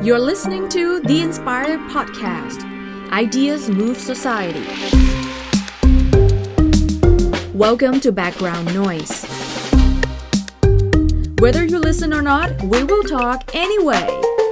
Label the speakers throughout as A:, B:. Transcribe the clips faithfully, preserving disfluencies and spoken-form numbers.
A: You're listening to The Inspired Podcast. Ideas Move Society. Welcome to Background Noise. Whether you listen or not, we will talk anyway.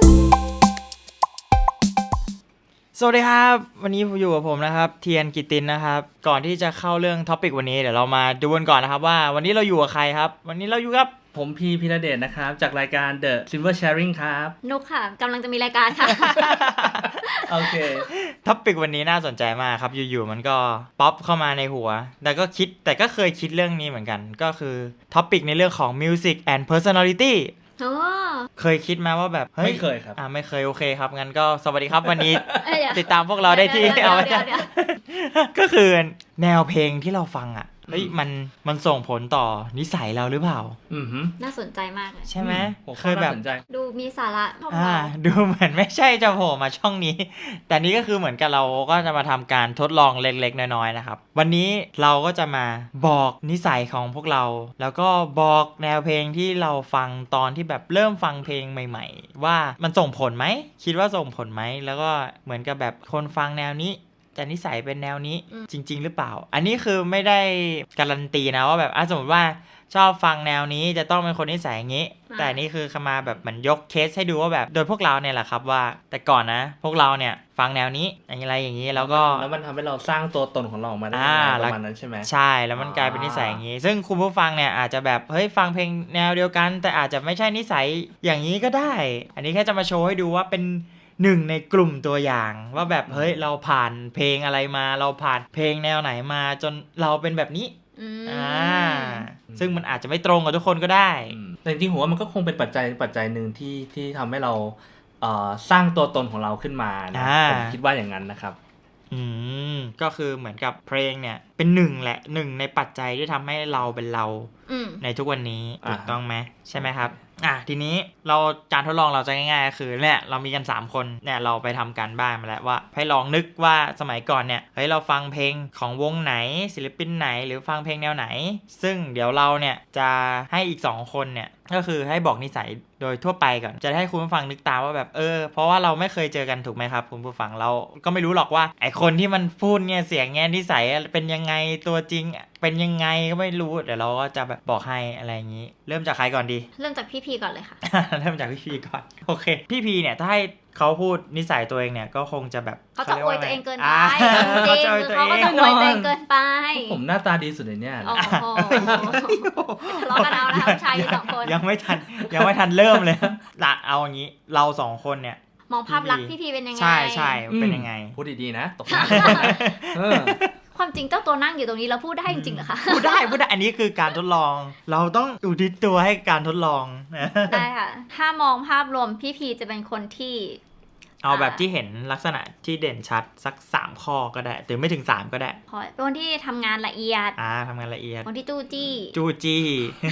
B: สวัสดีครับวันนี้อยู่กับผมนะครับเทียนกิตตินนะครับก่อนที่จะเข้าเรื่องท็อปิกวันนี้เดี๋ยวเรามาดูกันก่อนนะครับว่าวันนี้เราอยู่กับใครครับวันนี้เราอยู่กับ
C: ผมพีพีระเดชนะครับจากรายการ The Silver Sharing ครับ
D: นุกค่ะกำลังจะมีรายการค่ะ
C: โอเค
B: ท็อปิกวันนี้น่าสนใจมากครับอยู่ๆมันก็ป๊อปเข้ามาในหัวแต่ก็คิดแต่ก็เคยคิดเรื่องนี้เหมือนกันก็คือท็อปิกในเรื่องของ Music and Personalityเคยคิดไหมว่าแบบเฮ้ย
C: ไม่เคยครับ
B: อ่าไม่เคยโอเคครับงั้นก็สวัสดีครับวันนี้
D: ติ
B: ติดตามพวกเราได้ที่เอาไว้ก็คือแนวเพลงที่เราฟังอ่ะเฮ้ยมันมันส่งผลต่อนิสัยเราหรือเปล่า
C: อือฮึ
D: น่าสนใจมากเลย
B: ใช่ไหม
C: เคยแบบ
D: ดูมีสาระพอ
B: อ่าดูเหมือนไม่ใช่จะโผล่มาช่องนี้แต่นี้ก็คือเหมือนกับเราก็จะมาทำการทดลองเล็กๆน้อยๆนะครับวันนี้เราก็จะมาบอกนิสัยของพวกเราแล้วก็บอกแนวเพลงที่เราฟังตอนที่แบบเริ่มฟังเพลงใหม่ๆว่ามันส่งผลไหมคิดว่าส่งผลไหมแล้วก็เหมือนกับแบบคนฟังแนวนี้แต่นิสัยเป็นแนวนี้จริงๆหรือเปล่าอันนี้คือไม่ได้การันตีนะว่าแบบสมมติว่าชอบฟังแนวนี้จะต้องเป็นคนนิสัยอย่างนี้แต่นี่คือมาแบบเหมือนยกเคสให้ดูว่าแบบโดยพวกเราเนี่ยแหละครับว่าแต่ก่อนนะพวกเราเนี่ยฟังแนวนี้อะไรอย่างนี้แล้วก็
C: แล้วมันทำให้เราสร้างตัวตนของเราออกมาได้ประมาณนั้นใช่ไหม
B: ใช่แล้วมันกลายเป็นนิสัยอย่างนี้ซึ่งคุณผู้ฟังเนี่ยอาจจะแบบเฮ้ยฟังเพลงแนวเดียวกันแต่อาจจะไม่ใช่นิสัยอย่างนี้ก็ได้อันนี้แค่จะมาโชว์ให้ดูว่าเป็นหนึ่งในกลุ่มตัวอย่างว่าแบบเฮ้ยเราผ่านเพลงอะไรมาเราผ่านเพลงแนวไหนมาจนเราเป็นแบบนี้อ่าซึ่งมันอาจจะไม่ตรงกับทุกคนก็ได้
C: แต่จริงๆผมว่ามันก็คงเป็นปัจจัยปัจจัยหนึ่งที่ที่ทำให้เราเอ่อสร้างตัวตนของเราขึ้นมานะผมคิดว่าอย่างนั้นนะครับ
B: อืมก็คือเหมือนกับเพลงเนี่ยเป็นหนึ่งแหละหนึ่งในปัจจัยที่ทำให้เราเป็นเราในทุกวันนี้ถูกต้องไหมใช่ไหมครับอ่ะทีนี้เราการทดลองเราจะง่ายๆก็คือเนี่ยเรามีกันสามคนเนี่ยเราไปทำการบ้านมาแล้วว่าให้ลองนึกว่าสมัยก่อนเนี่ยเฮ้ยเราฟังเพลงของวงไหนศิลปินไหนหรือฟังเพลงแนวไหนซึ่งเดี๋ยวเราเนี่ยจะให้อีกสองคนเนี่ยก็คือให้บอกนิสัยโดยทั่วไปก่อนจะให้คุณผู้ฟังนึกตามว่าแบบเออเพราะว่าเราไม่เคยเจอกันถูกไหมครับคุณผู้ฟังเราก็ไม่รู้หรอกว่าไอคนที่มันพูดเนี่ยเสียงเงี้ยนิสัยเป็นยังไงตัวจริงเป็นยังไงก็ไม่รู้เดี๋ยวเราก็จะแบบบอกให้อะไรอย่างนี้เริ่มจากใครก่อนดี
D: เริ่มจากพี่พีก่อนเลยค่ะ
B: เริ่มจากพี่พีก่อนโอเคพี่พีเนี่ยถ้าให้เขาพูดนิสัยตัวเองเนี่ยก็คงจะแบบ
D: เขาจะอวยตัวเองเกินไปจริงๆเขาก็จะอวยตัวเองเกินไป
C: ผมหน้าตาดีสุดในเนี่ย
D: โอ้โหทะเลาะกันเอานะชายสองคน
B: ยังไม่ทันยังไม่ทันเริ่มเลยละเอาอย่างนี้เราสองคนเนี่ย
D: มองภาพลักษณ์พี่พีเป็นยังไง
B: ใช่ใช่เป็นยังไง
C: พูดดีๆนะตก
D: ความจริงเจ้าตัวนั่งอยู่ตรงนี้แล้วพูดได้จริงๆเหรอคะ
B: พูดได้พูดได้อันนี้คือการทดลองเราต้องอุทิศตัวให้การทดลอง
D: ได้ค่ะถ้ามองภาพรวมพี่พีจะเป็นคนที่
B: เอาแบบที่เห็นลักษณะที่เด่นชัดสักสามข้อก็ได้หรือไม่ถึงสามก็ได้
D: เป็นคนที่ทำงานละเอียด
B: อ่าทำงานละเอียด
D: คนที่จู้จี้
B: จู้จี้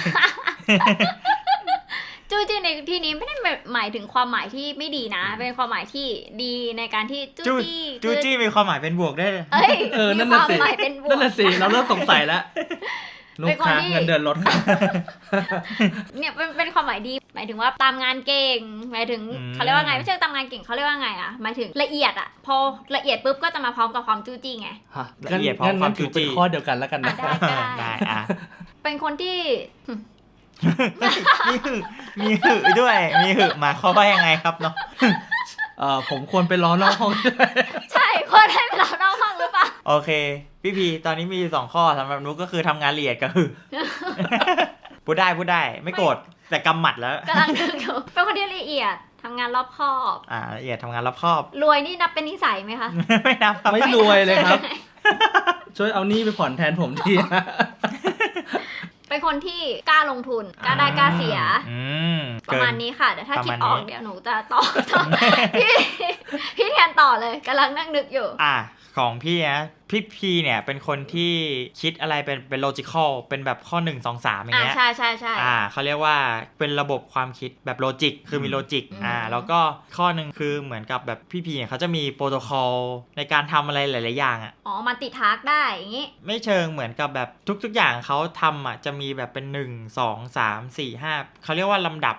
D: จู้จี้ในที่นี้ไม่ได้หมายถึงความหมายที่ไม่ดีนะเป็นความหมายที่ดีในการที่จู้จี้
B: จู้จี้มีความหมายเป็นบวกได้
D: เอ้ย
C: เออนั่นน่ะสินั่นน่ะสิเราเริ่มสงสัยแล้วลูกค้าเงินเดือนลด
D: เนี่ยเป็นเป็นความหมายดีหมายถึงว่าตามงานเก่งหมายถึงเขาเรียกว่าไงไม่ใช่ตามงานเก่งเขาเรียกว่าไงอ่ะหมายถึงละเอียดอ่ะพอละเอียดปุ๊บก็จะมาพร้อมกับความจู้จี้ไง
B: ละเอียดพร้อมความจู้จี้
C: เป็นข้อเดียวกันแล้วกันนะ
D: ได้อ่ะเป็นคนที่
B: มีหึมีหึด้วยมีหึมาเขาว่ายังไงครับเนาะ
C: เอ่อผมควรไปรอนอกห้อง
D: ใช่ควรให้ไปรอนอกห้องหรือเปล่า
B: โอเคพี่พีตอนนี้มีสองข้อสำหรับนุ๊กก็คือทำงานละเอียดกับหึพูดได้พูดได้ไม่โกรธแต่กำหมัดแล้ว
D: กำลังนึกอยู่เป็นคนที่ละเอียดทำงานรอบคอบ
B: อ่าละเอียดทำงานรอบคอบ
D: รวยนี่นับเป็นนิสัยไหมคะ
B: ไม่นับครับ
C: ไม่รวยเลยครับช่วยเอาหนี้ไปผ่อนแทนผมที
D: เป็นคนที่กล้าลงทุนกล้าได้กล้าเสียประมาณนี้ค่ะเดี๋ยวถ้าคิดออกเดี๋ยวหนูจะต่อพี่พี่แทนต่อเลยกำลังนั่งนึกอยู่
B: อ่ะของพี่นะพี่พีเนี่ยเป็นคนที่คิดอะไรเป็นเป็น logical เป็นแบบข้อหนึ่ง สอง สามอย่างเงี้ย
D: อ่าใช่ใช่ใช่
B: อ่าเขาเรียกว่าเป็นระบบความคิดแบบโลจิกคือมีโลจิกอ่าแล้วก็ข้อหนึ่งคือเหมือนกับแบบพี่พีเนี่ยเขาจะมีโปรโตคอลในการทำอะไรหลายๆอย่างอ่ะ
D: อ๋อมันติดทาร์กได้อย่างงี้
B: ไม่เชิงเหมือนกับแบบทุกๆอย่างเขาทำอ่ะจะมีแบบเป็นหนึ่ง สอง สาม สี่ ห้าเขาเรียกว่าลำดับอ่ะ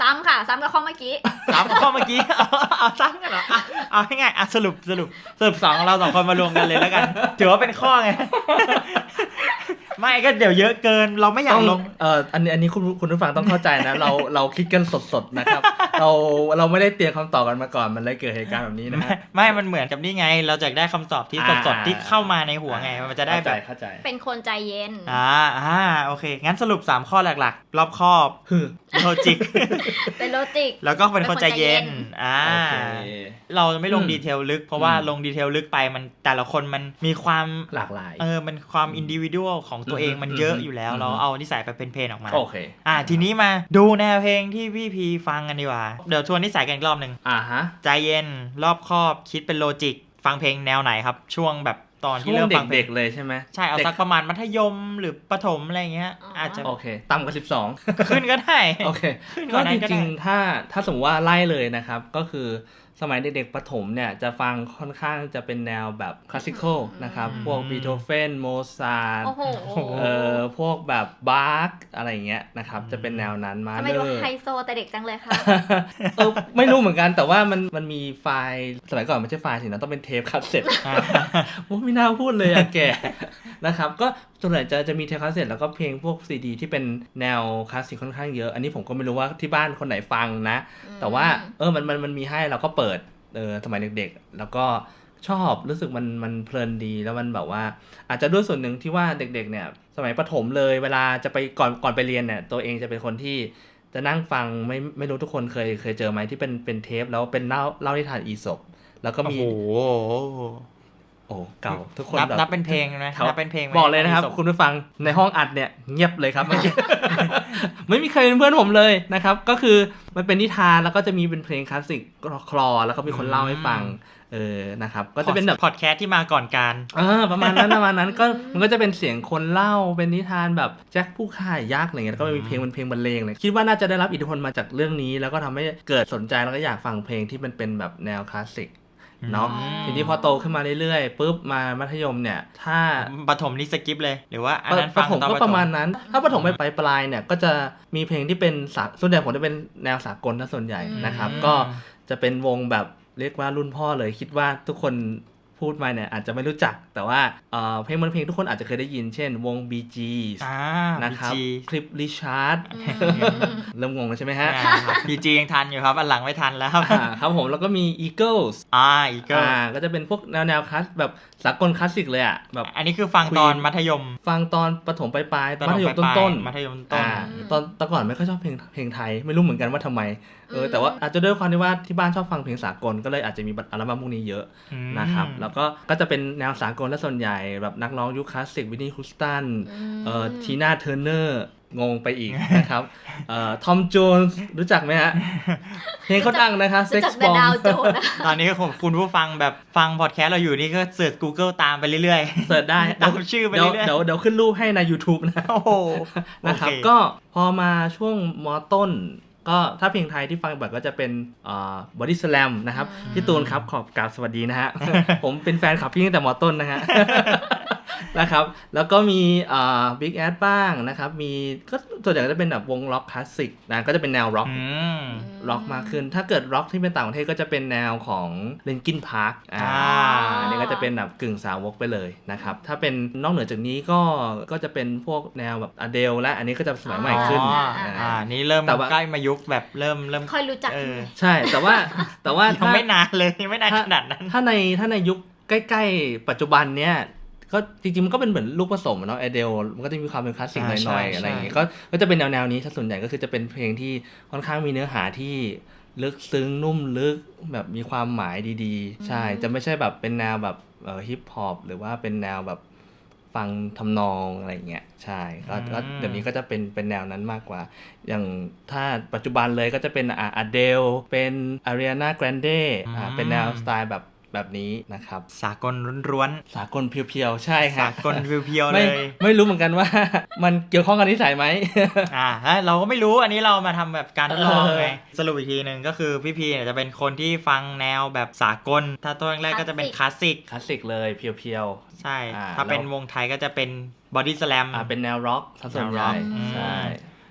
D: ซ้ำค่ะซ้ำกับข้อเมื่อกี้
B: ซ้ำกับข้อเมื่อกี้เอาเอาซ้ำกันเหรอเอาให้ง่ายอ่ะสรุปสรุปสรุปสองเราสองคนมารวมกันเลยแล้วกันถือว่าเป็นข้อไงไม่ก็เดี๋ยวเยอะเกินเราไม่อยากลง
C: เอ่ออันนี้อันนี้คุณคุณผู้ฟังต้องเข้าใจนะเราเราคิดกันสดๆนะครับเราเราไม่ได้เตรียมคำตอบกันมาก่อนมันเลยเกิดเหตุการณ์แบบนี้นะ
B: ไม่มันเหมือนกับนี่ไงเราจะได้คำตอบที่สดๆที่เข้ามาในหัวไงมันจะได้แบบ
C: เข้าใจ
D: เป็นคนใจเย็น
B: อ่าอ่าโอเคงั้นสรุปสามข้อหลักๆรอบคอบโลจิก
D: เป็นโลจิก
B: แล้วก็เป็นคนใจเย็นอ่าเราไม่ลงดีเทลลึกเพราะว่าลงดีเทลลึกไปมันแต่ละคนมันมีความ
C: หลากหลาย
B: เออมันความอินดิวิวดัลของตัวเองมันเยอะอยู่แล้วเราเอานิสัยไปเป็นเพลงออกมา
C: โอเค
B: อ่าทีนี้มาดูแนวเพลงที่พี่พีฟังกันดีกว่าเดี๋ยวทวนนิสัยกันอีกรอบนึง
C: อ่าฮะ
B: ใจเย็นรอบคอบคิดเป็นโลจิกฟังเพลงแนวไหนครับช่วงแบบตอนที่เริ่มฟัง
C: เด็กๆเลยใช่ไหม
B: ใช่เอาสักประมาณมัธยมหรือประถมอะไรเงี้ยอาจจะ
C: โอเคต่ำกว่าสิบสอง
B: ขึ้นก็ได้
C: โอเคก็จริงๆถ้าถ้าสมมติว่าไล่เลยนะครับก็คือสมัยเด็กๆประถมเนี่ยจะฟังค่อนข้างจะเป็นแนวแบบคลาสสิคอลนะครับพวกบีโธเฟนโมซาร์ทเอ่อพวกแบบบาร์กอะไรเงี้ยนะครับจะเป็นแนวนั้นมา
D: เลยทำไมดูไฮโซแต่เด็กจังเลยคะ
C: เออไม่รู้เหมือนกันแต่ว่ามันมันมีไฟล์สมัยก่อนไม่ใช่ไฟล์สินะต้องเป็นเทปคาสเซ็ตโอ้ไม่น่าพูดเลยอะแกนะครับก็ส่วนใหญ่จะจะมีเทปคาสเซ็ตแล้วก็เพลงพวกซีดีที่เป็นแนวคลาสสิกค่อนข้างเยอะอันนี้ผมก็ไม่รู้ว่าที่บ้านคนไหนฟังนะแต่ว่าเออมันมันมันมีให้เราก็เปิดเออสมัยเด็กๆแล้วก็ชอบรู้สึกมันมันเพลินดีแล้วมันแบบว่าอาจจะด้วยส่วนหนึ่งที่ว่าเด็กๆเนี่ยสมัยประถมเลยเวลาจะไปก่อนก่อนไปเรียนเนี่ยตัวเองจะเป็นคนที่จะนั่งฟังไม่ไม่รู้ทุกคนเคยเคยเจอไหมที่เป็นเป็นเทปแล้วเป็นเล่าเล่านิทานอีสปแล้วก็มี
B: โอ้โห
C: โอ้เก่าทุกคน
B: นับนับเป็นเพลงนะนับเป็นเพลง
C: บอกเลยนะครับคุณผู้ฟังในห้องอัดเนี่ยเงียบเลยครับ ไม่มีใครเป็นเพื่อนผมเลยนะครับก็คือมันเป็นนิทานแล้วก็จะมีเป็นเพลงคลาสสิกคลอแล้วก็มีคนเล่าให้ฟังเออนะครับก็จะเป็นแบบ
B: พอดแคสต์ที่มาก่อนการ
C: เออประมาณนั้นประมาณนั้นก็มันก็จะเป็นเสียงคนเล่าเป็นนิทานแบบแจ็คผู้ฆ่ายักษ์อะไรเงี้ยก็มีเพลงเป็นเพลงบรรเลงเลยคิดว่าน่าจะได้รับอิทธิพลมาจากเรื่องนี้แล้วก็ทำให้เกิดสนใจแล้วก็อยากฟังเพลงที่มันเป็นแบบแนวคลาสสิกเนาะทีนี้พอโตขึ้นมาเรื่อยๆปุ๊บมามัธยมเนี่ยถ้า
B: ประถมนี่สกิปเลยหรือว่าอันนั้นฟัง
C: ตอนก็ประมาณนั้นถ้าประถมไปปลายเนี่ยก็จะมีเพลงที่เป็นส่วนใหญ่ผมจะเป็นแนวสากลถ้าส่วนใหญ่นะครับก็จะเป็นวงแบบเรียกว่ารุ่นพ่อเลยคิดว่าทุกคนพูดมาเนี่ยอาจจะไม่รู้จักแต่ว่าเอ่อเพลงบางเพลงทุกคนอาจจะเคยได้ยินเช่นวง บี จี นะครับคลิปริชาร์ดเริ่มงงแล้วใช่ไหมฮะ
B: บี จี ยังทันอยู่ครับอันหลังไม่ทันแล้ว
C: ครับผมแล้วก็มี Eagles
B: อ่า Eagles
C: อ่าก็จะเป็นพวกแนวแนวคลาสแบบสากลคลาสสิกเลยอ่ะแบบ
B: อันนี้คือฟังตอนมัธยม
C: ฟังตอนประถมปลายๆมัธยมต้นๆ
B: มัธยมต้น
C: ตอนแต่ก่อนไม่ค่อยชอบเพลงเพลงไทยไม่รู้เหมือนกันว่าทำไมเออแต่ว่าอาจจะด้วยความที่ว่าที่บ้านชอบฟังเพลงสากลก็เลยอาจจะมีอัลบั้มพวกนี้เยอะนะครับแล้วก็ก็จะเป็นแนวสากลและส่วนใหญ่แบบนักร้องยุคคลาสสิกวินนี่ฮูสตันเอ่อทีน่าเทอร์เนอร์งงไปอีกนะครับเอ่อทอมโจนส์รู้จักไหมฮะเพลงเขาดังนะคะเซ็กซ์บอม
B: ตอนนี้คุณผู้ฟังแบบฟังพอดแคสต์เราอยู่นี่ก็เสิร์ช Google ตามไปเรื่อย
C: ๆเสิร์ชได้
B: ตามชื่อไปเรื่อยๆ
C: เดี๋ยวเดี๋ยวขึ้นรูปให้ใน YouTube นะ
B: โอ้โห
C: นะครับก็พอมาช่วงม.ต้นก็ถ้าเพลงไทยที่ฟังบ่อยก็จะเป็นอ่า Body Slam นะครับพี่ตูนครับขอบกราบสวัสดีนะฮะ ผมเป็นแฟนคลับพี่ตั้งแต่ม.ต้นนะฮะ นะครับแล้วก็มีอ่า Big Ass บ้างนะครับมีก็ส่วนใหญ่ก็จะเป็นแบบวงร็อกคลาสสิกนะก็จะเป็นแนวร็อกร็อกมากขึ้นถ้าเกิดร็อกที่เป็นต่างประเทศก็จะเป็นแนวของ Linkin Park อ่าอันนี้ก็จะเป็นแบบกึ่งสาวกไปเลยนะครับถ้าเป็นนอกเหนือจากนี้ก็ก็จะเป็นพวกแนวแบบ Adele และอันนี้ก็จะสมัยใหม่ขึ้น
B: อ่านี่เริ่มใกล้มายุคแบบเริ่มเริ่ม
D: ค่อยรู้จัก
C: ใช่แต่ว่าแต่ว่า
B: ยังไม่นานเลยไม่นานขนาดนั้น
C: ถ้าในถ้าในยุคใกล้ๆปัจจุบันเนี้ยก็จริงๆมันก็เป็นเหมือนลูกผสมเนาะ Adele มันก็จะมีความเป็นคลาสสิกหน่อยๆอะไรอย่างเงี้ยก็ก็จะเป็นแนวๆนี้ถ้าส่วนใหญ่ก็คือจะเป็นเพลงที่ค่อนข้างมีเนื้อหาที่ลึกซึ้งนุ่มลึกแบบมีความหมายดีๆใช่จะไม่ใช่แบบเป็นแนวแบบเอ่อฮิปฮอปหรือว่าเป็นแนวแบบฟังทำนองอะไรเงี้ยใช่ก็เดี๋ยวนี้ก็จะเป็นเป็นแนวนั้นมากกว่าอย่างถ้าปัจจุบันเลยก็จะเป็นอ่า Adele เป็น Ariana Grande อ่าเป็นแนวสไตล์แบบแบบนี้นะครับ
B: สากลร้วน
C: ๆสากลเพียวๆใช่ครับ
B: สากลเพียวๆเลย
C: ไม่ไม่รู้เหมือนกันว่ามันเกี่ยวข้องกับนิสัยไหม
B: อ่าเราก็ไม่รู้อันนี้เรามาทำแบบการทดลองไงสรุปอีกทีนึงก็คือพี่พีเนี่ยจะเป็นคนที่ฟังแนวแบบสากลถ้าตัวแรกก็จะเป็นคลาสสิก
C: คลาสสิกเลยเพียว
B: ๆใช่ถ้าเป็นวงไทยก็จะเป็นบอดี้สแลม
C: อ่าเป็นแนวร็อกส่วนใหญ่ใช่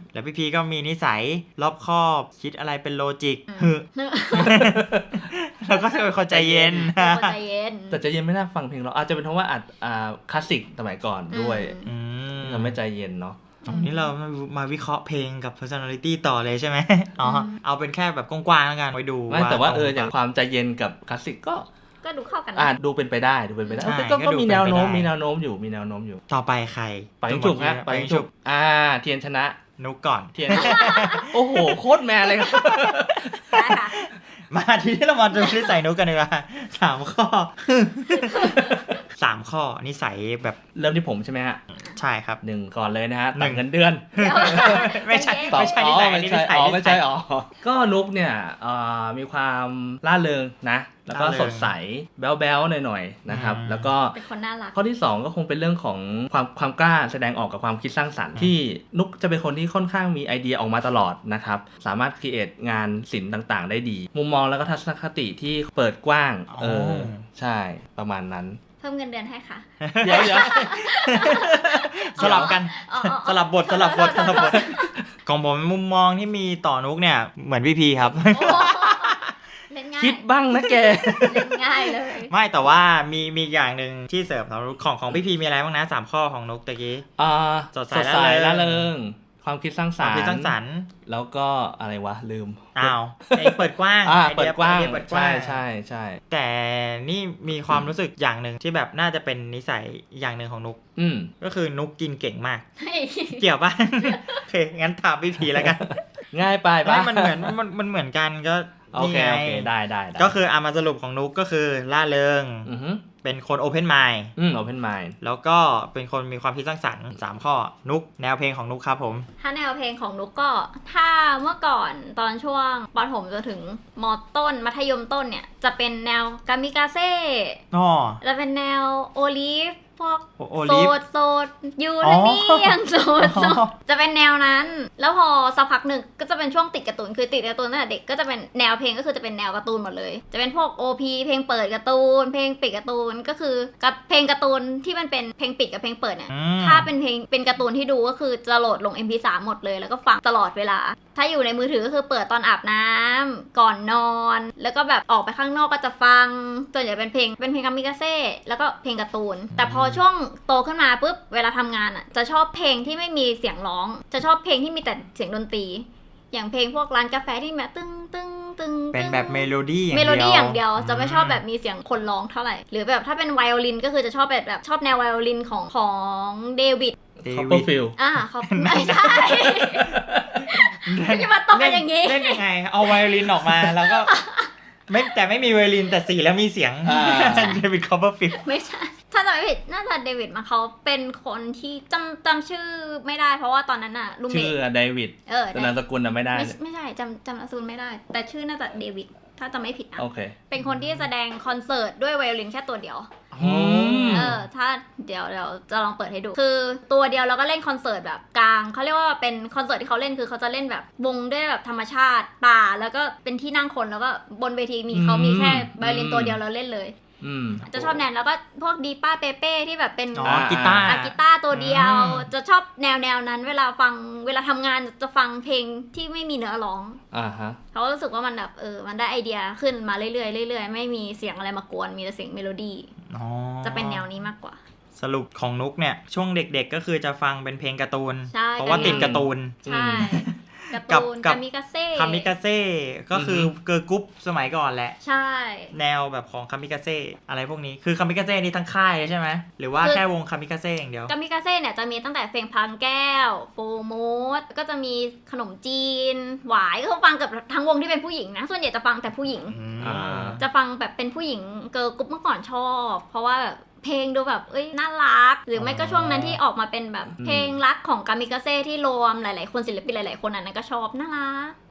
B: แล้วพี่พีก็มีนิสัยรอบคอบคิดอะไรเป็นโลจิก
D: อืม
B: แล้วก็จะเป็นคนใจเย็น
D: เป็นคนใจเย็น
C: แต่ใจเย็นไม่น่าฟังเพลงเราอาจจะเป็นเพราะว่าอัดอ่าคลาสสิกสมัยก่อนด้วย
B: อืม
C: ทำให้ใจเย็นเนาะ
B: ตรงนี้เรามาวิเคราะห์เพลงกับ personality ต่อเลยใช่ไหมอ๋อเอาเป็นแค่แบบกว้างๆแล้วกันไปดู
C: ไม่แต่ว่าเอออย่างความใจเย็นกับคลาสสิกก็
D: ก็ดูเข้ากัน
C: อ่า
D: นะ
C: ดูเป็นไปได้ดูเป็นไปได้
B: ใช่
C: ก็
B: ก็
C: ก็
B: ดู
C: มี
B: เป็นไป
C: แนวโน้ม
B: ได้
C: มีแนวโน้มอยู่มีแนวโน้มอยู่
B: ต่อไปใคร
C: ไปยิงฉุบฮะ
B: ไป
C: ไป
B: ยิ
C: ยิ
B: ง
C: ง
B: ฉุ
C: ฉุ
B: บบ
C: อ่าเทียนชนะ
B: นุกก่อน
C: เทียน โอ้โหโคตรแมนเลยครับ
D: ได้ค่ะ
B: มาทีนี้เรามาดูนิสัยนุกกันดีกว่าสามข้อ สามข้อนิสัยแบบ
C: เริ่มที่ผมใช่ไหมฮะ
B: ใช่ครับ
C: หนึ่งก่อนเลยนะฮะ
B: หนึ่
C: ต่าง
B: ง
C: เงินเดือน
D: เดี๋ยว
B: ไม่ใช่
D: ใจเย็น
B: ไม่ใช่นิสัย
C: อ๋อ
B: อันนี้
C: ไม่
B: นิ
C: ใช่
B: สัย
C: อ๋อ
B: นิ
C: ไม่
B: สั
C: ใช่
B: ย
C: อ๋อก็นุกเนี่ยเอ่อมีความล่าเริงนะ แล้วก็
B: ร่าเริง
C: สดใสแบ๊วๆหน่อยๆนะครับ
B: อืม
C: แล้วก็
D: เป็นคนน่ารัก
C: ข้อที่สองก็คงเป็นเรื่องของความความกล้าแสดงออกกับความคิดสร้างสรรค์ที่นุกจะเป็นคนที่ค่อนข้างมีไอเดียออกมาตลอดนะครับสามารถครีเอทงานศิลป์ต่างๆ ได้ดี มุมมองแล้วก็ทัศนคติที่เปิดกว้างเออใช่ประมาณนั้น
D: เพิ่มเงินเดือนให้ค่ะ
C: เดี๋ยวเดี๋ยว
B: สลับกัน
D: อ๋ออ๋ออ๋อ
B: สลับบทสลับบทสลับบทของผมมุมมองที่มีต่อนุกเนี่ยเหมือนพี่พีครับ
D: โอ้เล่นง่าย
C: คิดบ้างนะแก
D: เล่นง่ายเลย
B: ไม่แต่ว่ามีมีอย่างหนึ่งที่เสริมสำหรับนุกของของพี่พีมีอะไรบ้างนะสามข้อของนุกตะกี้
C: อ่า
B: สดใส
C: สดใส
B: ร่า
C: ร่า
B: เริ
C: เริ
B: ง
C: ง ความคิดสร้าง
B: ค
C: สร
B: วาม
C: ร
B: คิดสร้าง
C: ค์
B: สรรค์
C: แล้วก็อะไรวะลืม
B: อ้าวไอ้เปิดกว้าง
C: อ่า
B: ไอ
C: เปิ
B: ดี
C: ด
B: ย
C: กว้าง
B: ไอเดียเปิดกว้า
C: ใช่
B: ง
C: ใช่ใช่
B: แต่นี่มีความรู้สึกอย่างหนึ่งที่แบบน่าจะเป็นนิสัยอย่างหนึ่งของนุก
C: อืม
B: ก็คือนุกกินเก่งมาก
D: เฮ้ย
B: เกี่ยวป่ะ โอเคงั้นถามพี่พีแล้วกัน
C: ง่ายไปปะ
B: ไม่มันเหมือนมันมันเหมือนกันก็
C: โอเค
B: นี่ไง
C: โอเคได้ได้ได้
B: ก็คืออามาสรุปของนุกก็คือล่าเริง
C: อือฮึ
B: เป็นคนโอเพนไมล์
C: อืม open mind
B: แล้วก็เป็นคนมีความคิดสร้างสรรค์สามข้อนุกแนวเพลงของนุกครับผม
D: ถ้าแนวเพลงของนุกก็ ถ้าเมื่อก่อนตอนช่วงปฐมจนถึงมต้นมัธยมต้นเนี่ย จะเป็นแนวกามิกาเซ่
B: อ๋อ
D: จะเป็นแนวโอลิฟพวก
B: โอ
D: โส
B: ลิฟ
D: ดโสดยู
B: อ๋อ
D: นะนี่ยังโสดโส
B: อ๋อ
D: ดจะเป็นแนวนั้น แล้วพอสักพักหนึ่งก็จะเป็นช่วงติดการ์ตูนคือติดการ์ตูนตั้งแต่เด็กก็จะเป็นแนวเพลงก็คือจะเป็นแนวการ์ตูนหมดเลย จะเป็นพวก โอ พี เพลงเปิดการ์ตูนเพลงปิดการ์ตูนก็คือกับเพลงการ์ตูนที่มันเป็นเพลงปิดกับเพลงเปิดเนี่ย
B: อืม
D: ถ้าเป็นเพลงเป็นการ์ตูนที่ดูก็คือจะโหลดลง เอ็ม พี สาม หมดเลยแล้วก็ฟังตลอดเวลา ถ้าอยู่ในมือถือก็คือเปิดตอนอาบน้ำก่อนนอน แล้วก็แบบออกไปข้างนอกก็จะฟังส่วนใหญ่เป็นเพลงเป็นเพลงกามิกาเซ่แล้วก็เพลงการ์ตูน แต่พอช่วงโตขึ้นมาปุ๊บเวลาทำงานอ่ะจะชอบเพลงที่ไม่มีเสียงร้อง จะชอบเพลงที่มีแต่เสียงดนตรี อย่างเพลงพวกร้านกาแฟที่แบบตึ้งตึ้งตึ้ง
B: เป็นแบบเมโลดี้อย่าง
D: เม
B: เดียว
D: โลดี้อย่างเดียวจะไม่ชอบแบบมีเสียงคนร้องเท่าไหร่หรือแบบถ้าเป็นไวโอลินก็คือจะชอบแบบแบบชอบแนวไวโอลินของของเดวิด
B: เดวิด
C: Copperfield
D: อ่าเขาไม่ใช่ไม่จะมาตอบกันอย่างนี้
B: เล่นยังไง เอาไวโอลินออกมาแล้วก็ ไม่แต่ไม่มีไวโอลินแต่สีแล้วมีเสียง
C: อ่า
B: เดวิดคอปเปอร์ฟิลด์
D: ไม่ใช่ ถ้าจำไม่ผิดน่าจะเดวิดมาเขาเป็นคนที่จำจำชื่อไม่ได้เพราะว่าตอนนั้นอะลูเม
C: ชื่
D: ท
C: อเดวิด
D: เออ
C: แต่นามสกุลน่ะไม่ได้
D: ไม่ไม่ใช่จำจำนามสกุลไม่ได้ แต่ชื่อน่าจะเดวิดถ้าจำไม่ผิดนะ
C: โอเค
D: เป็นคนที่แสดงคอนเสิร์ตด้วยไวโอลินแค่ตัวเดียว
C: อืม
D: เออ ถ้าเดี๋ยวเดี๋ยวจะลองเปิดให้ดู คือตัวเดียวแล้วก็เล่นคอนเสิร์ตแบบกลางเขาเรียกว่าเป็นคอนเสิร์ตที่เขาเล่นคือเขาจะเล่นแบบวงด้วยแบบธรรมชาติป่าแล้วก็เป็นที่นั่งคนแล้วก็บนเวทีมีเขามีแค่ไวโอลินตัวเดียวแล้วเล่นเลย
C: อืม
D: จะชอบแนวแล้วก็พวกดีป้าเปเป้ที่แบบเป็น
B: อ๋อกีตาร์
D: อะกีตาร์ตัวเดียว
B: อืม
D: จะชอบแนวแนวนั้น เวลาฟังเวลาทำงานจะฟังเพลงที่ไม่มีเนื้อร้อง
C: อ่าฮะ
D: เขารู้สึกว่ามันแบบเออมันได้ไอเดียขึ้นมาเรื่อยๆเรื่อยๆไม่มีเสียงอะไรมากวนมีแต่เสียงเมโลดี้
B: อ๋อ
D: จะเป็นแนวนี้มากกว่า
B: สรุปของนุกเนี่ยช่วงเด็กๆก็คือจะฟังเป็นเพลงการ์ตูน
D: ใช่
B: เพราะว่าติดการ์ตูน
D: ใช่
C: อืม
D: การ์
B: กับ
D: ตูน
B: กับ
D: กามิกาเซ่
B: คามิกาเซ่ก็คือเกิร์ลกรุ๊ปสมัยก่อนแหละ
D: ใช่
B: แนวแบบของคามิกาเซ่อะไรพวกนี้คือคามิกาเซ่นี่ทั้งค่ายเลยใช่ไหมหรือว่าแค่วงคามิกาเซ่อย่างเดียว
D: กามิกาเซ่เนี่ยจะมีตั้งแต่เพลงพังแก้วโฟโมดก็จะมีขนมจีน หวายก็ฟังกับทั้งวงที่เป็นผู้หญิงนะส่วนใหญ่จะฟังแต่ผู้หญิง
C: อ่า
D: จะฟังแบบเป็นผู้หญิงเกิร์ลกรุ๊ปเมื่อก่อนชอบ เพราะว่าแบบเพลงดูแบบเอ้ยน่ารัก หรือไม่ก็ช่วงนั้นที่ออกมาเป็นแบบ
C: อืม
D: เพลงรักของกามิกาเซ่ที่รวมหลายๆคนศิลปินหลายๆคนอันนั้นก็ชอบน่ารัก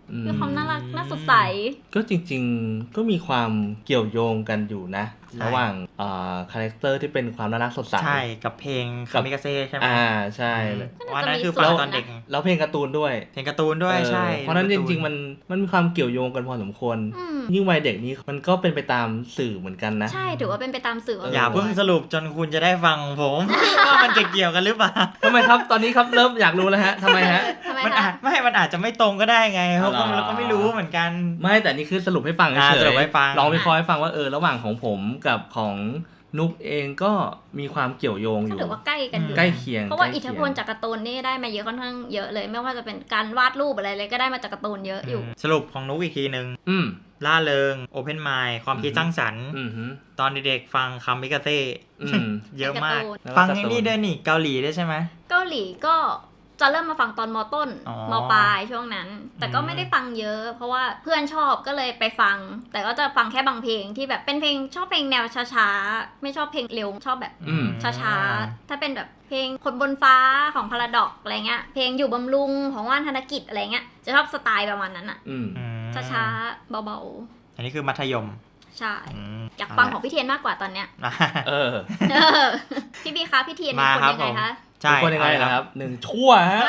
D: มีความน่ารักน่าสดใส
C: ก็จริงๆก็มีความเกี่ยวโยงกันอยู่นะระหว่างอ่าคาแรคเตอร์ที่เป็นความน่ารักสดใส
B: ใช่กับเพลงคามิกาเซ่ใช่ไหม
C: อ่าใช่
B: วันนั้นคือฟังตอนเด็ก
C: แล้วเพลงการ์ตูนด้วย
B: เพลงการ์ตูนด้วยใช่
C: เพราะนั้นจริงๆมันมันมีความเกี่ยวโยงกันพอสมควรยิ่งวัยเด็กนี้มันก็เป็นไปตามสื่อเหมือนกันนะ
D: ใช่ถือว่าเป็นไปตามสื่อ
B: อย่าเพิ่งสรุปจนคุณจะได้ฟังผมว่ามันจะเกี่ยวกันหรือเปล่า
C: ทำไมครับตอนนี้ครับเริ่มอยากรู้แล้วฮะทำไมฮะ
B: มันอาจไม่มันอาจจะไม่ตรงก็ได้ไงเพราะเราก็ไม่รู้เหมือนกัน
C: ไม่แต่นี่คือสรุปให้ฟังเฉยๆลองวิเคราะห์ให้ฟังว่าเออระหว่างของผมกับของนุกเองก็มีความเกี่ยวโยงอยู่
D: ถือว่าใกล้กันอยู่
C: ใกล้เคียง
D: เพราะว่าอิทธิพลจากการ์ตูนนี่ได้มาเยอะค่อนข้างเยอะเลยไม่ว่าจะเป็นการวาดรูปอะไรเลยก็ได้มาจากการ์ตูนเยอะอยู่
B: สรุปของนุกอีกทีนึงล่าเริงโอเพนไมล์ความคิดสร้างสรรค์ตอนเด็กๆฟังคามิกาเซ่เยอะมากฟังนี่ด้วยนี่เกาหลีด้วยใช่ไหม
D: เกาหลีก็จะเริ่มมาฟังตอนม.ต้นม.ปลายช่วงนั้นแต่ก็ไม่ได้ฟังเยอะเพราะว่าเพื่อนชอบก็เลยไปฟังแต่ก็จะฟังแค่บางเพลงที่แบบเป็นเพลงชอบเพลงแนวช้าๆไม่ชอบเพลงเร็วชอบแบบช้าๆถ้าเป็นแบบเพลงคนบนฟ้าของพาราดอกอะไรเงี้ยเพลงอยู่บำรุงของว่านธนกิจอะไรเงี้ยจะชอบสไตล์ประมาณนั้นอ่ะช้าๆเบา
B: ๆอันนี้คือมัธยม
D: ใช่อยากฟังของพี่เทียนมากกว่าตอนเนี้ย
C: เออ
D: พี่บีคะพี่เทียนเป็นคนยังไงคะ
C: ใช่คนยังไงครับหนึ่งชั่วฮะ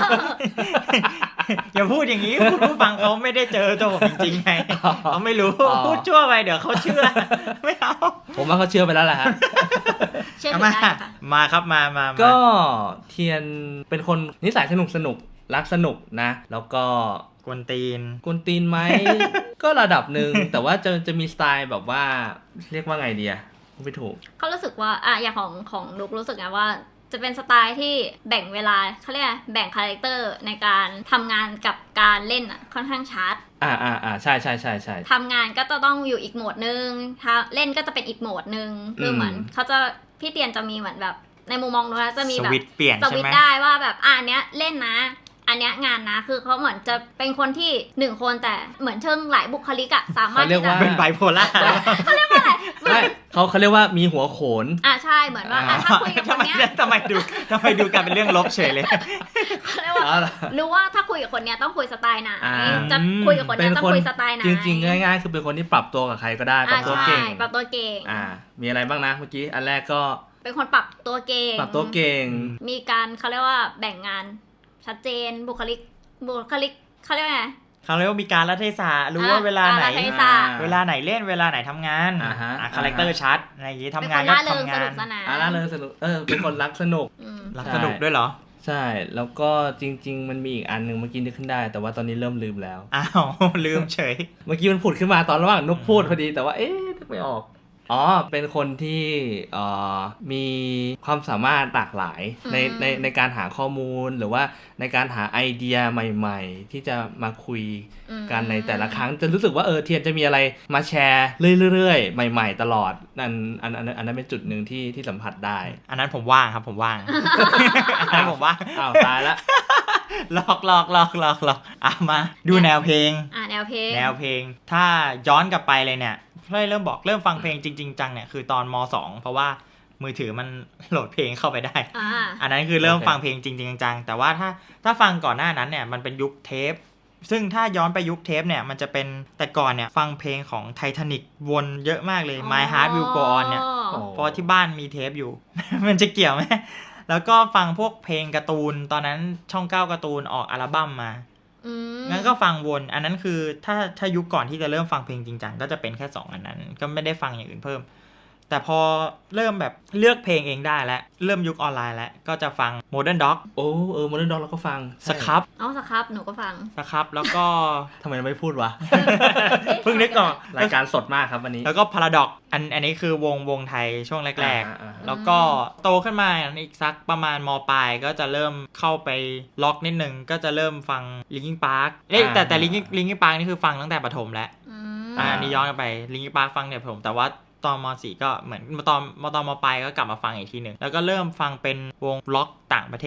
B: อย่าพูดอย่างนี้คุณผู้ฟังเขาไม่ได้เจอตัวผมจริงๆไงเขาไม่รู้พูดชั่วไปเดี๋ยวเขาเชื่อไม่เอา
C: ผมว่าเขาเชื่อไปแล้วแหละฮะ
D: เชื่อได้ค่ะ
B: มาครับมามา
C: ก็เทียนเป็นคนนิสัยสนุกสนุกรักสนุกนะแล้วก็
B: กวนตีน
C: กวนตีนไหมก็ระดับหนึ่งแต่ว่าจะจะมีสไตล์แบบว่าเรียกว่าไงดีอะไม่ถูก
D: เขารู้สึกว่าอ่ะอย่างของของนุกรู้สึกไงว่าจะเป็นสไตล์ที่แบ่งเวลาเขาเรียกแบ่งคาแรคเตอร์ในการทำงานกับการเล่นอ่ะค่อนข้างชัด
C: อ่าอ่าอ่าใช่ใช่ใช่ใช่
D: ทำงานก็จะต้องอยู่อีกโหมดนึงเล่นก็จะเป็นอีกโหมดนึงคือเหมือนเขาจะพี่เตียนจะมีเหมือนแบบในมุมมองนู้นจะมีแบบ
B: สวิตช์เปลี่ยน
D: สวิตช์ได้ว่าแบบอ่าเนี้ยเล่นนะอันเนี้ยงานนะคือเขาเหมือนจะเป็นคนที่หนึ่งคนแต่เหมือนเชิงหลายบุคลิกอะสามารถที่จะ
B: เป็นไบโพล่า
D: เขาเรียกว่าอะไร
C: ไม่เขาเขาเรียกว่ามีหัวโขน
D: อ่ะใช่เหมือนว่าถ้าคุยกับคนเนี้ย
B: ทำไมดูทำไมดูกันเป็นเรื่องลบเฉยเลย
D: เขาเรียกว่ารู้ว่าถ้าคุยกับคนเนี้ยต้องคุยสไตล์ไหนจะคุยกับคนเนี้ยต้องคุยสไตล์ไหน
C: จริงๆง่ายๆคือเป็นคนที่ปรับตัวกับใครก็ได้ปรับตัวเก่ง
D: ปรับตัวเก่ง
C: อ่ามีอะไรบ้างนะเมื่อกี้อันแรกก็
D: เป็นคนปรับตัวเก่ง
C: ปรับตัวเก่ง
D: มีการเขาเรียกว่าแบ่งงานชัดเจนบุคลิกบุคลิกเขาเรียกว่าไง
B: เขาเรียกว่ามีการละเทศะรู้ว่าเวลาไหนเวลาไหนเล่นเวลาไหนทำงานคาแรคเตอร์ชัดอะไรอย่างงี้ทำงานก็ทำงาน
C: อ่าล่าเริงสนุกเออเป็นคนรักสนุก
B: รักสนุกด้วยเหรอ
C: ใช่แล้วก็จริงๆมันมีอีกอันนึงเมื่อกี้นึกขึ้นได้แต่ว่าตอนนี้เริ่มลืมแล้ว
B: อ้าวลืมเฉย
C: เมื่อกี้มันผุดขึ้นมาตอนระหว่างนุกพูดพอดีแต่ว่าเอ๊ะนึกไม่ออกอ๋อเป็นคนที่เอ่อมีความสามารถหลากหลายในในในการหาข้อมูลหรือว่าในการหาไอเดียใหม่ๆที่จะมาคุยกันในแต่ละครั้งจะรู้สึกว่าเออเทียนจะมีอะไรมาแชร์เรื่อยๆใหม่ๆตลอดนั่นอันอันอันนั้นเป็นจุดหนึ่งที่ที่สัมผัสได้
B: อันนั้นผมว่างครับผมว่างอันนั้นผมว่าง
C: อ้าวตายละ
B: หลอกหลอกหลอกหลอกหลอกอ่ะมาดูแนวเพลง
D: อ่ะแนวเพลง
B: แนวเพลงถ้าย้อนกลับไปเลยเนี่ยเริ่มบอกเริ่มฟังเพลงจริงๆจังเนี่ยคือตอนม.สอง เพราะว่ามือถือมันโหลดเพลงเข้าไปได้ อ, อันนั้นคือเริ่มฟังเพลงจริงๆจังๆแต่ว่าถ้าถ้าฟังก่อนหน้านั้นเนี่ยมันเป็นยุคเทปซึ่งถ้าย้อนไปยุคเทปเนี่ยมันจะเป็นแต่ก่อนเนี่ยฟังเพลงของ Titanic วนเยอะมากเลย My Heart Will Go On เนี่ยเพราะที่บ้านมีเทปอยู่ มันจะเกี่ยวไหมแล้วก็ฟังพวกเพลงการ์ตูนตอนนั้นช่องเก้าการ์ตูนออกอัลบั้มมางั้นก็ฟังวนอันนั้นคือถ้าถ้ายุคก่อนที่จะเริ่มฟังเพลงจริงจังก็จะเป็นแค่สองอันนั้นก็ไม่ได้ฟังอย่างอื่นเพิ่มแต่พอเริ่มแบบเลือกเพลงเองได้แล้วเริ่มยุคออนไลน์แล้วก็จะฟัง Modern Dog
C: โอ้เออ Modern Dog เราก็ฟัง
B: สครับ
D: อ๋อสครับหนูก็ฟัง
B: สครับแล้วก็
C: ทำไมไม่พูดวะ
B: เพิ่งนึกออก
C: รายการสดมากครับวันนี้
B: แล้วก็ Paradox อันอันนี้คือวงวงไทยช่วงแรกๆแล้วก็โตขึ้นมาอีกสักประมาณม.ปลายก็จะเริ่มเข้าไปล็อกนิดนึงก็จะเริ่มฟัง Linkin Park เอ้ยแต่แต่ Linkin Linkin Park นี่คือฟังตั้งแต่ประถมแล้วอันนี้ย้อนกลับไป Linkin Park ฟังเนี่ยผมแต่ว่าตอนม.สี่ ก็เหมือนตอนม.ตอนม.ปลายก็กลับมาฟังอีกทีนึงแล้วก็เริ่มฟังเป็นวงล็อกต่างประเทศ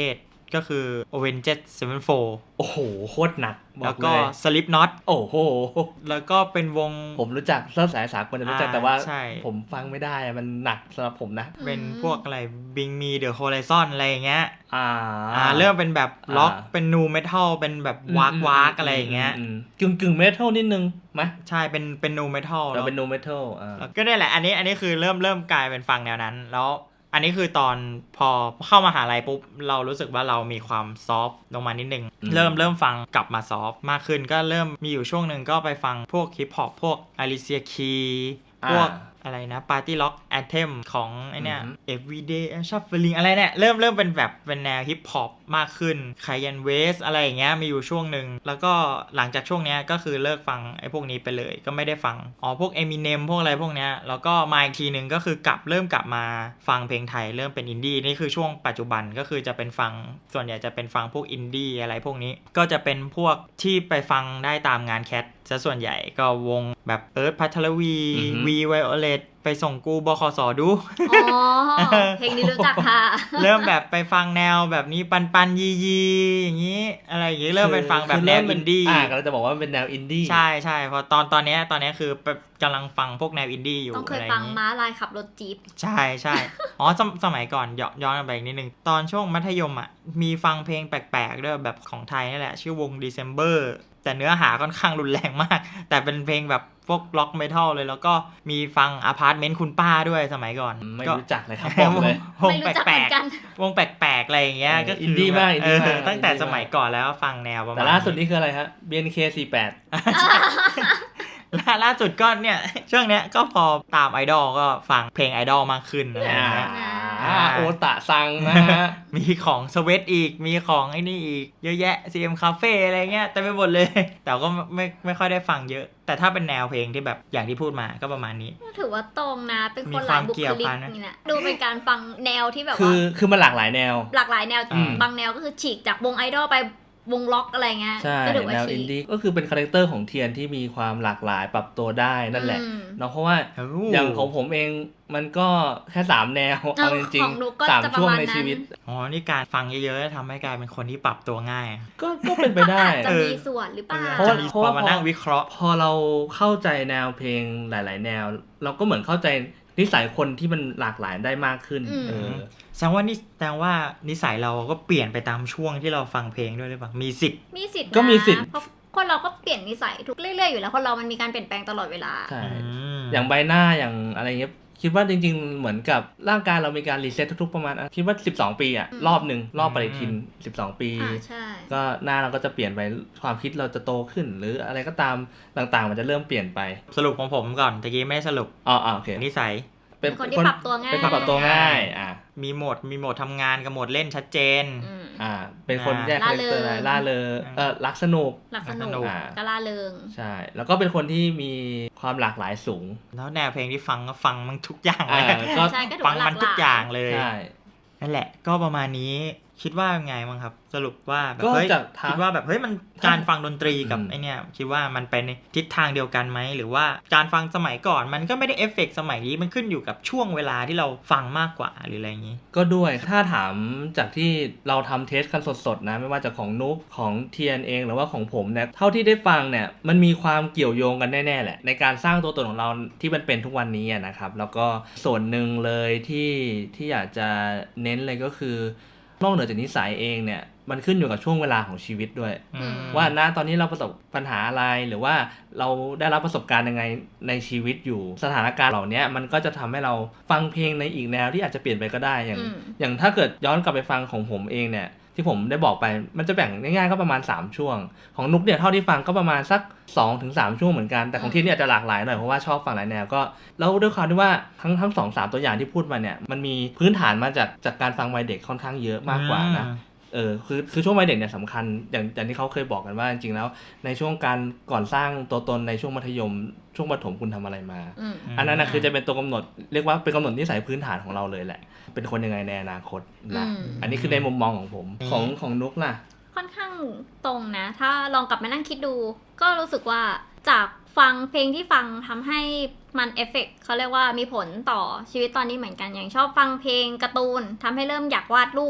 B: ก็คือ Avenged Sevenfold
C: โอ้โหโคตรหนัก
B: แล้วก็ Slipknot
C: โอ้โห
B: แล้วก็เป็นวง
C: ผมรู้จักเสื้อสายสากลจะรู้จักแต่ว่า
B: ใช่
C: ผมฟังไม่ได้มันหนักสำหรับผมนะ
B: เป็นพวกอะไร Bring Me The Horizon อะไรอย่างเงี้ย
C: อ่า
B: อ่าเริ่มเป็นแบบล็อกเป็นนูเมทัลเป็นแบบวากวากอะไรอย่างเงี้ย
C: กึ่งกึ่งเมทัลนิดนึงไหม
B: ใช่เป็นเป็นนูเมทัล
C: เราเป็นนูเมทัลอ่า
B: ก็ได้แหละอันนี้อันนี้คือเริ่มเริ่มกลายเป็นฟังแนวนั้นแล้วอันนี้คือตอนพอเข้ามหาลัยปุ๊บเรารู้สึกว่าเรามีความซอฟต์ลงมานิดนึงเริ่มเริ่มฟังกลับมาซอฟต์มากขึ้นก็เริ่มมีอยู่ช่วงนึงก็ไปฟังพวกฮิปฮอปพวก Alicia Keys พวกอะไรนะ Party Rock Anthem ของไอเนี้ย Everyday Shuffling อะไรเนี่ยเริ่มเริ่มเป็นแบบเป็นแนวฮิปฮอปมากขึ้น Kanye West อะไรอย่างเงี้ยมีอยู่ช่วงนึงแล้วก็หลังจากช่วงเนี้ยก็คือเลิกฟังไอพวกนี้ไปเลยก็ไม่ได้ฟังอ๋อพวก Eminem พวกอะไรพวกเนี้ยแล้วก็มาอีกทีนึงก็คือกลับเริ่มกลับมาฟังเพลงไทยเริ่มเป็นอินดี้นี่คือช่วงปัจจุบันก็คือจะเป็นฟังส่วนใหญ่จะเป็นฟังพวกอินดี้อะไรพวกนี้ก็จะเป็นพวกที่ไปฟังได้ตามงานแคทซะส่วนใหญ่ก็วงแบบเอิร์ธ พัทรวี วีไวโอเลตไปส่งกูบขสดู
D: อ๋อเพลงนี้รู้จักค่ะ
B: เริ่มแบบไปฟังแนวแบบนี้ปันปันยียีอย่างนี้อะไรอย่างนี้เริ่มเป็นฟังแบบแนวอินดี้
C: อ่าก็จะบอกว่าเป็นแนวอินดี้
B: ใช่ใช่เพราะตอนตอนนี้ตอนนี้คือกำลังฟังพวกแนวอินดี้อยู่
D: ต้องเคยฟังม้าลายขับรถจี๊ป
B: ใช่ใช่อ๋อสสมัยก่อนย้อนไปอีกนิดนึงตอนช่วงมัธยมอ่ะมีฟังเพลงแปลกๆด้วยแบบของไทยนี่แหละชื่อวง December แต่เนื้อหาค่อนข้างรุนแรงมากแต่เป็นเพลงแบบพวกล็อกเมทัลเลยแล้วก็มีฟังอพาร์ตเมนต์คุณป้าด้วยสมัยก่อน
C: ไม่รู้จักเลยครับผมเลยว
B: งแปลกๆวงแปลกๆอะไรอย่างเงี้ยก็
C: อินดี้มากอินดี้มาก
B: ตั้งแต่สมัยก่อนแล้วฟังแนวประมาณ
C: แต่ล่าสุดนี่คืออะไรฮะ บี เอ็น เค สี่สิบแปด
B: ล่าสุดก็เนี่ยช่วงเนี้ยก็พอตามไอดอลก็ฟังเพลงไอดอลมากขึ้นอะไรอย่างเงี้ย
C: โอตะซังนะฮะ
B: มีของสเวทอีกมีของไอ้นี่อีกเยอะแยะ ซี เอ็ม Cafe อะไรเงี้ยแต่ไปหมดเลยแต่ก็ไม่ไม่ค่อยได้ฟังเยอะแต่ถ้าเป็นแนวเพลงที่แบบอย่างที่พูดมาก็ประมาณนี้
D: ถือว่าตรงนะเป็นคนหลายบุคลิกนี่นะดูเป็นการฟังแนวที่แบบว่า
C: คือคือมันหลากหลายแนว
D: หลากหลายแนวบางแนวก็คือฉีกจากวงไอดอลไปวงล็อกอะไรเงี้ย
C: ก็ถือว่าแนวอินดี้ก็คือเป็นคาแรคเตอร์ของเทียนที่มีความหลากหลายปรับตัวได้นั่นแหละเนาะเพราะว่าอย่างของผมเองมันก็แค่สามแนวเอาจริงๆสามช่วงในชีวิต
B: อ๋อนี่การฟังเยอะๆทำให้กลายเป็นคนที่ปรับตัวง่าย
C: ก็ก็เป็นไปได้
D: จะมีส่วนหรือเปล่า
B: เพราะเพราะว่ามานั่งวิเคราะห์
C: พอเราเข้าใจแนวเพลงหลายๆแนวเราก็เหมือนเข้าใจนิสัยคนที่มันหลากหลายได้มากขึ้นเออ
B: แสดงว่านี่แสดงว่านิสัยเราก็เปลี่ยนไปตามช่วงที่เราฟังเพลงด้วยหรือเปล่ามีสิทธิ์
D: มีสิทธิ์
C: ก็มีสิทธิ์
D: เพราะคนเราก็เปลี่ยนนิสัยทุกเรื่อยๆอยู่แล้วคนเรามันมีการเปลี่ยนแปลงตลอดเวลา
C: ใช่อย่างใบหน้าอย่างอะไรเงี้ยคิดว่าจริงๆเหมือนกับร่างกายเรามีการรีเซ็ตทุกๆประมาณคิดว่าสิบสองปีอ่ะรอบนึงรอบปฏิทินสิบสองปีก็หน้าเราก็จะเปลี่ยนไปความคิดเราจะโตขึ้นหรืออะไรก็ตามต่างๆมันจะเริ่มเปลี่ยนไป
B: สรุปของผมก่อนตะกี้ไม่สรุป
C: อ๋อโอเค
B: นิสัย
D: เป็นคนที่ปรับตัวง่าย
C: เป็นคนปรับตัวง่ายอ่ะ
B: มีโหมดมีโหมดทำงานกับโหมดเล่นชัดเจน
C: อ่าเป็นคนแยกคาแรคเตอร์ล่าเริงเออรักสนุก
D: รักสนุกก็ล่าเริง
C: ใช่แล้วก็เป็นคนที่มีความหลากหลายสูง
B: แล้วแนวเพลงที่ฟังก็ฟังมันทุกอย่างเลยก็ฟังมันทุกอย่างเลย
C: ใช่
B: นั่นแหละก็ประมาณนี้คิดว่าไงบ้างครับสรุปว่าแบบเฮ้ยคิดว่าแบบเฮ้ยมันการฟังดนตรีกับไอเนี้ยคิดว่ามันไปในทิศทางเดียวกันไหมหรือว่าการฟังสมัยก่อนมันก็ไม่ได้เอฟเฟกต์สมัยนี้มันขึ้นอยู่กับช่วงเวลาที่เราฟังมากกว่าหรืออะไรอย่างนี้
C: ก็ด้วยถ้าถามจากที่เราทำเทสกันสดๆนะไม่ว่าจะของนุ๊กของเทียนเองหรือว่าของผมเนี่ยเท่าที่ได้ฟังเนี่ยมันมีความเกี่ยวโยงกันแน่ๆแหละในการสร้างตัวตนของเราที่มันเป็นทุกวันนี้นะครับแล้วก็ส่วนหนึ่งเลยที่ที่อยากจะเน้นเลยก็คือนอกเหนือจากนิสัยเองเนี่ยมันขึ้นอยู่กับช่วงเวลาของชีวิตด้วยว่าณตอนนี้เราประสบปัญหาอะไรหรือว่าเราได้รับประสบการณ์ยังไงในชีวิตอยู่สถานการณ์เหล่านี้มันก็จะทำให้เราฟังเพลงในอีกแนวที่อาจจะเปลี่ยนไปก็ได้อย่างอย่างถ้าเกิดย้อนกลับไปฟังของผมเองเนี่ยที่ผมได้บอกไปมันจะแบ่งง่ายๆก็ประมาณสามช่วงของนุ๊กเนี่ยเท่าที่ฟังก็ประมาณสัก สองถึงสาม ช่วงเหมือนกันแต่ของที่นี่อาจจะหลากหลายหน่อยเพราะว่าชอบฟังหลายแนวก็แล้วด้วยความที่ว่าทั้งทั้ง สอง สาม ตัวอย่างที่พูดมาเนี่ยมันมีพื้นฐานมาจากจากการฟังวัยเด็กค่อนข้างเยอะมากกว่านะเออคือคือช่วงวัยเด็กเนี่ยสำคัญอย่างอย่างที่เขาเคยบอกกันว่าจริงๆแล้วในช่วงการก่อนสร้างตัวตนในช่วงมัธยมช่วงประถมคุณทำอะไรมา อ, อันนั้นนะคือจะเป็นตัวกำหนดเรียกว่าเป็นกำหนดนิสัยพื้นฐานของเราเลยแหละเป็นคนยังไงในอนาคตนะ อ, อันนี้คือในมุมมองของผมของของนุ๊กล่ะ
D: ค่อนข้างตรงนะถ้าลองกลับมานั่งคิดดูก็รู้สึกว่าจากฟังเพลงที่ฟังทำให้มันเอฟเฟกต์เขาเรียกว่ามีผลต่อชีวิตตอนนี้เหมือนกันอย่างชอบฟังเพลงการ์ตูนทำให้เริ่มอยากวาดรูปพ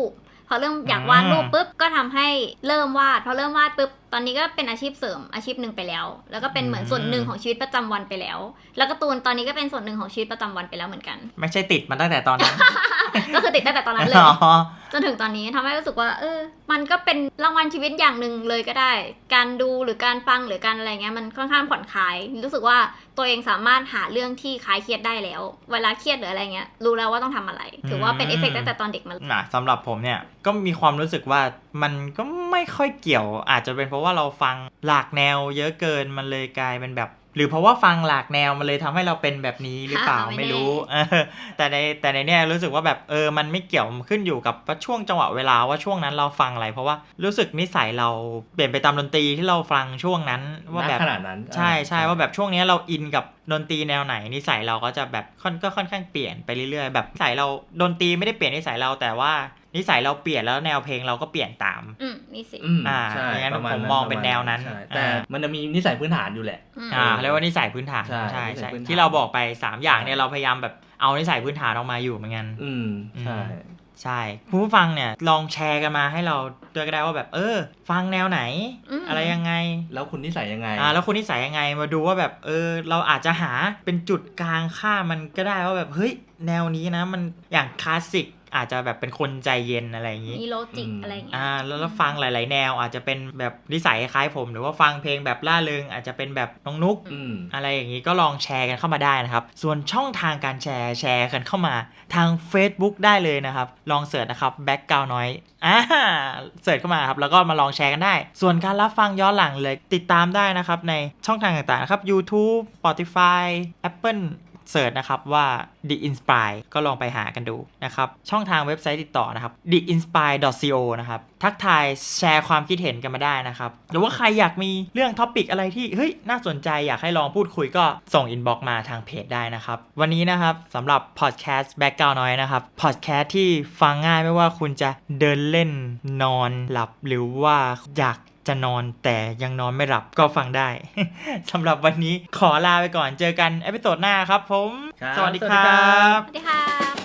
D: พอเริ่มอยากวาดรูปปุ๊บก็ทำให้เริ่มวาดพอเริ่มวาดปุ๊บตอนนี้ก็เป็นอาชีพเสริมอาชีพหนึ่งไปแล้วแล้วก็เป็นเหมือนส่วนหนึ่งของชีวิตประจำวันไปแล้วแล้วการ์ตูนตอนนี้ก็เป็นส่วนหนึ่งของชีวิตประจำวันไปแล้วเหมือนกัน
B: ไม่ใช่ติดมันตั้งแต่ตอนนั้น
D: ก็คือติดตั้งแต่ตอนนั้นเลยจนถึงตอนนี้ทำให้รู้สึกว่าเออมันก็เป็นรางวัลชีวิตอย่างหนึ่งเลยก็ได้การดูหรือการฟังหรือการอะไรเงี้ยมันค่อนข้างผ่อนคลายรู้สึกว่าตัวเองสามารถหาเรื่องที่คลายเครียดได้แล้วเวลาเครียดหรืออะไรเงี้ยรู้แล้วว่าต้องทำอะไรถือว่าเป็นเอฟเฟกต์ตั้งแต่ตอนเด็กมา
B: นะสำหรับผมเนี่ยก็มีความรู้สึกว่ามันก็ไม่ค่อยเกี่ยวอาจจะเป็นเพราะว่าเราฟังหลากแนวเยอะเกินมันเลยกลายเป็นแบบหรือเพราะว่าฟังหลากแนวมันเลยทำให้เราเป็นแบบนี้หรือเปล่าไม่รู้แต่ในแต่ในเนี้ยรู้สึกว่าแบบเออมันไม่เกี่ยวขึ้นอยู่กับว่าช่วงจังหวะเวลาว่าช่วงนั้นเราฟังอะไรเพราะว่ารู้สึกนิสัยเราเปลี่ยนไปตามดนตรีที่เราฟังช่วงนั้นว่าแบบ
C: ขนาดนั้น
B: ใช่ใช่ว่าแบบช่วงนี้เราอินกับดนตรีแนวไหนนิสัยเราก็จะแบบค่อนก็ค่อนข้างเปลี่ยนไปเรื่อยๆแบบนิสัยเราดนตรีไม่ได้เปลี่ยนนิสัยเราแต่ว่านิสัยเราเปลี่ยนแล้วแนวเพลงเราก็เปลี่ยนตาม
D: อืมนี่สิ
B: อ่าอย่างนั้นผมมองเป็นแนวนั้น
C: แต่มันจะมีนิสัยพื้นฐานอยู่แหละ
B: อ่าเรียกว่านิสัยพื้นฐานใช่ใช่ที่เราบอกไปสามอย่างเนี่ยเราพยายามแบบเอานิสัยพื้นฐานออกมาอยู่เหมือนกัน
C: อืมใช่
B: ใช่ผู้ฟังเนี่ยลองแชร์กันมาให้เราด้วยก็ได้ว่าแบบเออฟังแนวไหน อ, อะไรยังไง
C: แล้วคุณนิสัยยังไง
B: อ่าแล้วคุณนิสัยยังไงมาดูว่าแบบเออเราอาจจะหาเป็นจุดกลางค่ามันก็ได้ว่าแบบเฮ้ยแนวนี้นะมันอย่างคลาสสิกอาจจะแบบเป็นคนใจเย็นอะไรอย่างงี้
D: มีโลจิกอะไรอย่างเงี้ย
B: อ่าแล้วฟังหลายๆแนวอาจจะเป็นแบบนิสัยคล้ายผมหรือว่าฟังเพลงแบบล่าเริงอาจจะเป็นแบบน้องนุ๊กอะไรอย่างงี้ก็ลองแชร์กันเข้ามาได้นะครับส่วนช่องทางการแชร์แชร์กันเข้ามาทาง Facebook ได้เลยนะครับลองเสิร์ชนะครับ Background Noise อ่าเสิร์ชเข้ามาครับแล้วก็มาลองแชร์กันได้ส่วนการรับฟังย้อนหลังเลยติดตามได้นะครับในช่องทางต่างๆนะครับ YouTube Spotify Appleเสิร์ชนะครับว่า The Inspire ก็ลองไปหากันดูนะครับช่องทางเว็บไซต์ติดต่อนะครับ the inspire dot co นะครับทักทายแชร์ความคิดเห็นกันมาได้นะครับหรือว่าใครอยากมีเรื่องท็อปิกอะไรที่เฮ้ยน่าสนใจอยากให้ลองพูดคุยก็ส่งอินบ็อกซ์มาทางเพจได้นะครับวันนี้นะครับสำหรับพอดแคสต์ Background Noise นะครับพอดแคสต์ที่ฟังง่ายไม่ว่าคุณจะเดินเล่นนอนหลับหรือว่าอยากจะนอนแต่ยังนอนไม่หลับก็ฟังได้ สำหรับวันนี้ขอลาไปก่อนเจอกันเอพิโซดหน้าครับผมสวัสดีครับ
D: สวัสดีครับ